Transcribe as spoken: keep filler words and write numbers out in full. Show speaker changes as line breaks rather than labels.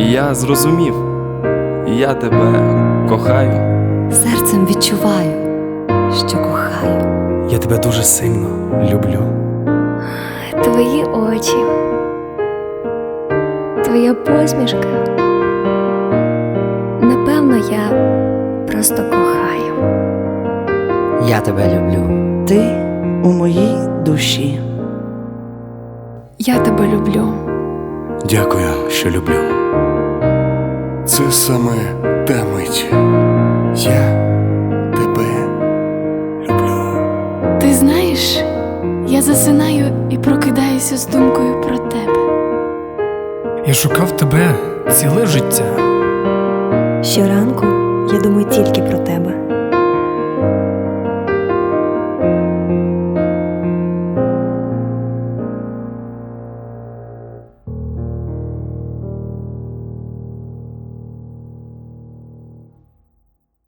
І я зрозумів, я тебе кохаю.
Серцем відчуваю, що кохаю.
Я тебе дуже сильно люблю.
Твої очі, твоя посмішка. Напевно, я просто кохаю.
Я тебе люблю.
Ти у моїй душі.
Я тебе люблю.
Дякую, що люблю.
Це саме та мить. Я тебе люблю.
Ти знаєш, я засинаю і прокидаюся з думкою про тебе.
Я шукав тебе ціле життя.
Щоранку я думаю тільки про тебе.